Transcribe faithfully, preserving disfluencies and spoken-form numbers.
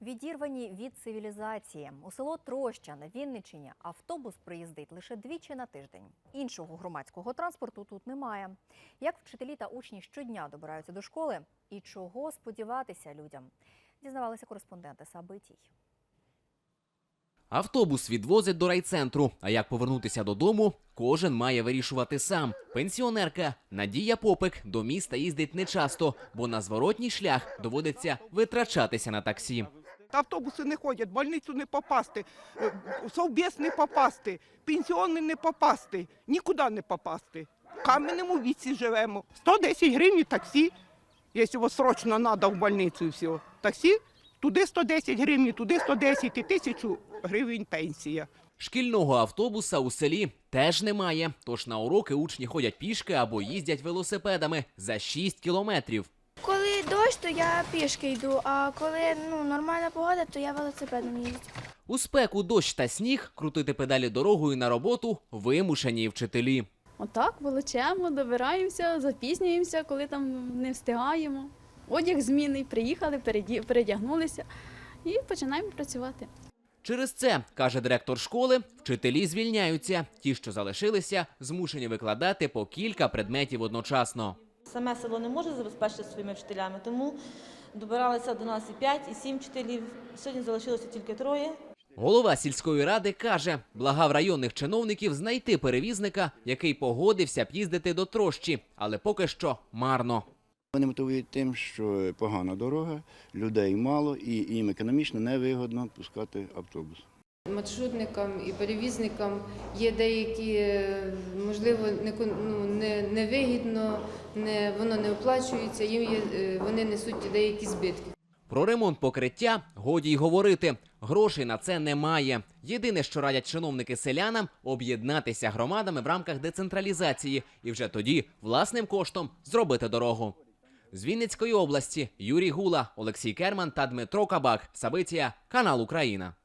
Відірвані від цивілізації. У село Троща на Вінниччині автобус приїздить лише двічі на тиждень. Іншого громадського транспорту тут немає. Як вчителі та учні щодня добираються до школи і чого сподіватися людям, дізнавалися кореспонденти Сабитій. Автобус відвозить до райцентру, а як повернутися додому, кожен має вирішувати сам. Пенсіонерка Надія Попик до міста їздить нечасто, бо на зворотній шлях доводиться витрачатися на таксі. Автобуси не ходять, в больницю не попасти, в совбез не попасти, пенсіонний не попасти, нікуди не попасти. В кам'яному віці живемо. сто десять гривень таксі, якщо срочно треба в больницю і все. Таксі, туди сто десять гривень, туди сто десять і тисячу гривень пенсія. Шкільного автобуса у селі теж немає, тож на уроки учні ходять пішки або їздять велосипедами за шість кілометрів. Коли дощ, то я пішки йду, а коли ну, нормальна погода, то я велосипедом їздю. У спеку, дощ та сніг крутити педалі дорогою на роботу вимушені вчителі. Отак волочемо, добираємося, запізнюємося, коли там не встигаємо. Одяг змінний, приїхали, передягнулися і починаємо працювати. Через це, каже директор школи, вчителі звільняються. Ті, що залишилися, змушені викладати по кілька предметів одночасно. Саме село не може забезпечити своїми вчителями, тому добиралися до нас і п'ять, і сім вчителів. Сьогодні залишилося тільки троє. Голова сільської ради каже, благав районних чиновників знайти перевізника, який погодився б їздити до Трощі, але поки що марно. Вони мотивують тим, що погана дорога, людей мало і їм економічно невигідно пускати автобус. Маршрутникам і перевізникам є деякі, можливо, не, невигідно, не, воно не оплачується, їм є, вони несуть деякі збитки. Про ремонт покриття годі й говорити. Грошей на це немає. Єдине, що радять чиновники селянам – об'єднатися громадами в рамках децентралізації і вже тоді власним коштом зробити дорогу. З Вінницької області Юрій Гула, Олексій Керман та Дмитро Кабак. Сабитія, канал Україна.